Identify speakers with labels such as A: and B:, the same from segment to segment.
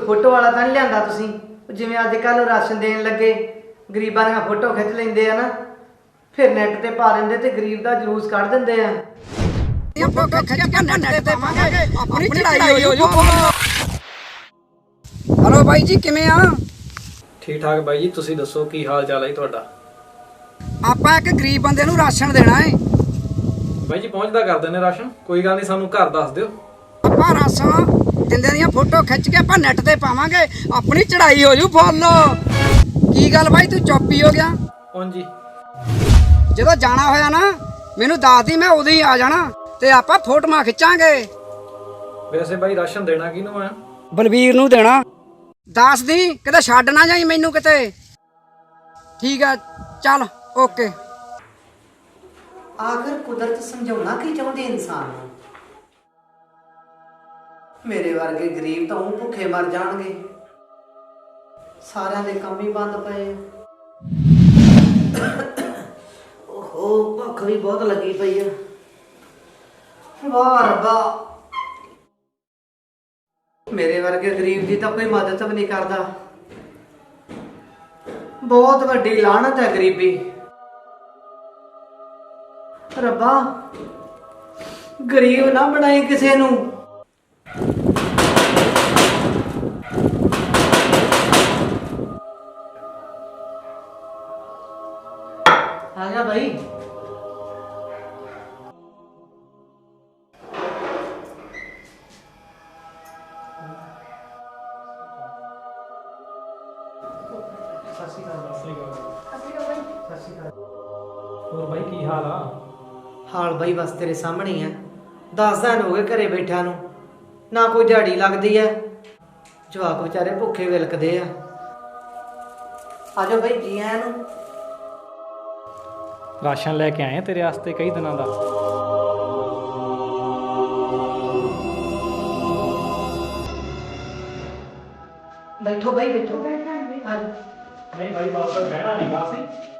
A: Photo वाला तो नहीं लिया तुसीं जिवें अजकल राशन देन लगे गरीबां दी फोटो खिच लेंदे आ ना फिर नैट ते पा दिंदे ते गरीब दा जलूस कढ दिंदे आ।
B: हेलो भाई जी किवें आ?
C: ठीक ठाक बाई जी, तुसीं दसो की हाल चाल है तुहाडा?
B: आपां एक गरीब बंदे नूं राशन देना है।
C: बाई जी पहुंचदा कर दिंदे राशन, कोई गल नहीं, सानू घर दस दिओ।
B: आपां राशन दिंदे दियां फोटो खिच के आपां नैट ते पावांगे, अपनी चढ़ाई हो जू फुੱਲ। की गल भाई तू चुप ही हो गया?
C: हाँ जी,
B: ਜਦੋਂ ਜਾਣਾ ਹੋਇਆ ਨਾ ਮੈਨੂੰ ਦੱਸ ਦੀ, ਮੈਂ ਉਦੋਂ ਹੀ ਆ ਜਾਣਾ ਤੇ ਆਪਾਂ ਫੋਟੋਆਂ ਖਿੱਚਾਂਗੇ।
C: वैसे बाई राशन देना किनू है?
B: ਬਲਵੀਰ ਨੂੰ ਦੇਣਾ। ਦੱਸ ਦੀ ਕਿਤੇ ਛੱਡ ਨਾ ਜਾਈ ਮੈਨੂੰ ਕਿਤੇ। ਠੀਕ ਆ ਚੱਲ ਓਕੇ।
A: आखिर कुदरत समझाउणा की चाहुंदी इंसान नूं? मेरे वर्गे गरीब तो ऊं भुखे मर जाणगे, सारिਆਂ ਦੇ ਕੰਮ ਹੀ ਬੰਦ ਪਏ ਆ। ओहो भुख भी बहुत लगी पई है। वाह रब्बा, मेरे वर्गे गरीब की तो कोई मदद भी नहीं करता। बहुत वड्डी लानत है गरीबी। रब्बा गरीब ना बनाई किसी नूं। आ जा भाई।
C: और भाई की हाल आ?
A: हाल भाई बस तेरे सामने ही है। 10 दिन हो गए घरे बैठा नूं, ना कोई दिहाड़ी लगती है, जवाक बेचारे भुखे विलकदे आ। आजो भाई जी आया नूं।
C: राशन लेके आए तेरे वास्ते कई दिनों का।
A: बैठो भाई बैठो।
C: नहीं भाई बात पर बहना नहीं सी।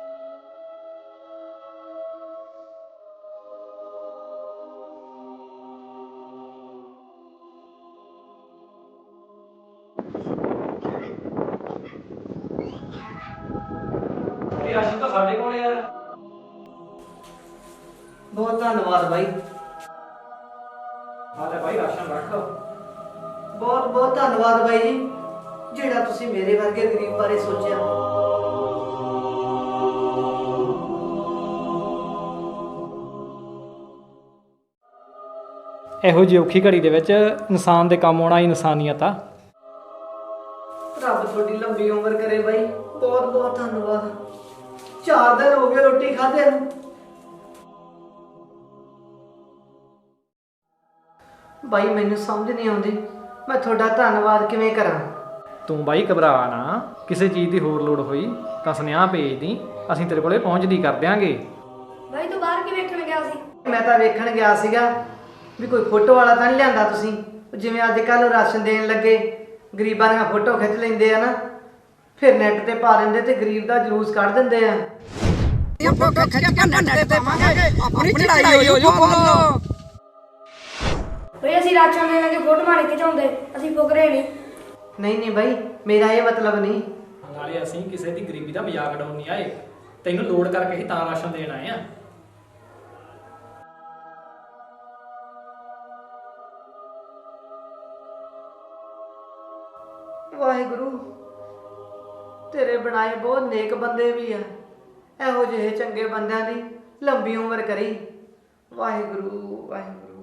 C: राशन तो साढ़े को यार।
A: बहुत धन्यवाद भाई।
C: हाँ तो भाई राशन रख।
A: बहुत बहुत धन्यवाद भाई जी, ਜਿਹੜਾ ਤੁਸੀਂ ਮੇਰੇ ਵਰਗੇ ਗਰੀਬ ਬਾਰੇ ਸੋਚਿਆ।
C: ਇਹੋ ਜਿਹੀ ਔਖੀ ਘੜੀ ਦੇ ਵਿੱਚ ਇਨਸਾਨ ਦੇ ਕੰਮ ਆਉਣਾ ਹੀ ਇਨਸਾਨੀਅਤ ਆ।
A: ਰੱਬ ਤੁਹਾਡੀ ਲੰਬੀ ਉਮਰ ਕਰੇ ਬਾਈ, ਬਹੁਤ ਬਹੁਤ ਧੰਨਵਾਦ। 4 ਦਿਨ ਹੋ ਗਏ ਰੋਟੀ ਖਾਧੇ ਨੂੰ। ਬਾਈ ਮੈਨੂੰ ਸਮਝ ਨਹੀਂ ਆਉਂਦੀ ਮੈਂ ਤੁਹਾਡਾ ਧੰਨਵਾਦ ਕਿਵੇਂ ਕਰਾਂ।
C: ਤੂੰ ਬਾਈ ਘਬਰਾ ਨਾ, ਕਿਸੇ ਚੀਜ਼ ਦੀ ਹੋਰ ਲੋੜ ਹੋਈ ਤਾਂ ਸੁਨੇਹਾ ਭੇਜ ਦੀ, ਅਸੀਂ ਤੇਰੇ ਕੋਲੇ ਪਹੁੰਚਦੀ ਕਰ ਦਿਆਂਗੇ।
D: ਬਾਈ ਤੂੰ ਬਾਹਰ ਕੀ ਵੇਖਣ ਗਿਆ ਸੀ?
A: ਮੈਂ ਤਾਂ ਵੇਖਣ ਗਿਆ ਸੀਗਾ ਵੀ ਕੋਈ ਫੋਟੋ ਵਾਲਾ ਤਾਂ ਨਹੀਂ ਲਿਆਂਦਾ ਤੁਸੀਂ, ਜਿਵੇਂ ਅੱਜ ਕੱਲ੍ਹ ਰਾਸ਼ਨ ਦੇਣ ਲੱਗੇ ਗਰੀਬਾਂ ਦੀਆਂ ਫੋਟੋ ਖਿੱਚ ਲੈਂਦੇ ਆ ਨਾ ਫਿਰ ਨੈਟ ਤੇ ਪਾ ਦਿੰਦੇ ਤੇ ਗਰੀਬ ਦਾ ਜਲੂਸ ਕੱਢ ਦਿੰਦੇ ਆ।
B: ਫੋਟੋ ਖਿੱਚ ਕੇ ਨੈਟ ਤੇ ਪਾਵਾਂਗੇ, ਆਪਣੀ ਚੜਾਈ ਹੋ ਜੂ ਫੁੱਲ।
D: ਬਈ ਅਸੀਂ ਰਾਸ਼ਨ ਦੇਣ ਲੱਗੇ ਫੋਟੋਆਂ ਨਹੀਂ ਖਿਚਾਉਂਦੇ, ਅਸੀਂ ਫੁਕਰੇ ਨਹੀਂ।
A: ਨਹੀਂ ਨਹੀਂ ਬਾਈ ਮੇਰਾ ਇਹ ਮਤਲਬ ਨਹੀਂ।
C: ਨਾਲੇ ਅਸੀਂ ਕਿਸੇ ਦੀ ਗਰੀਬੀ ਦਾ ਮਜ਼ਾਕ ਉਡਾਉਣ ਨਹੀਂ ਆਏ, ਤੈਨੂੰ ਲੋੜ ਕਰਕੇ ਹੀ ਤਾਂ ਰਾਸ਼ਨ ਦੇਣ ਆਏ ਆ।
A: ਵਾਹਿਗੁਰੂ ਤੇਰੇ ਬਣਾਏ ਬਹੁਤ ਨੇਕ ਬੰਦੇ ਵੀ ਆ, ਇਹੋ ਜਿਹੇ ਚੰਗੇ ਬੰਦਿਆਂ ਦੀ ਲੰਬੀ ਉਮਰ ਕਰੀ। ਵਾਹਿਗੁਰੂ ਵਾਹਿਗੁਰੂ।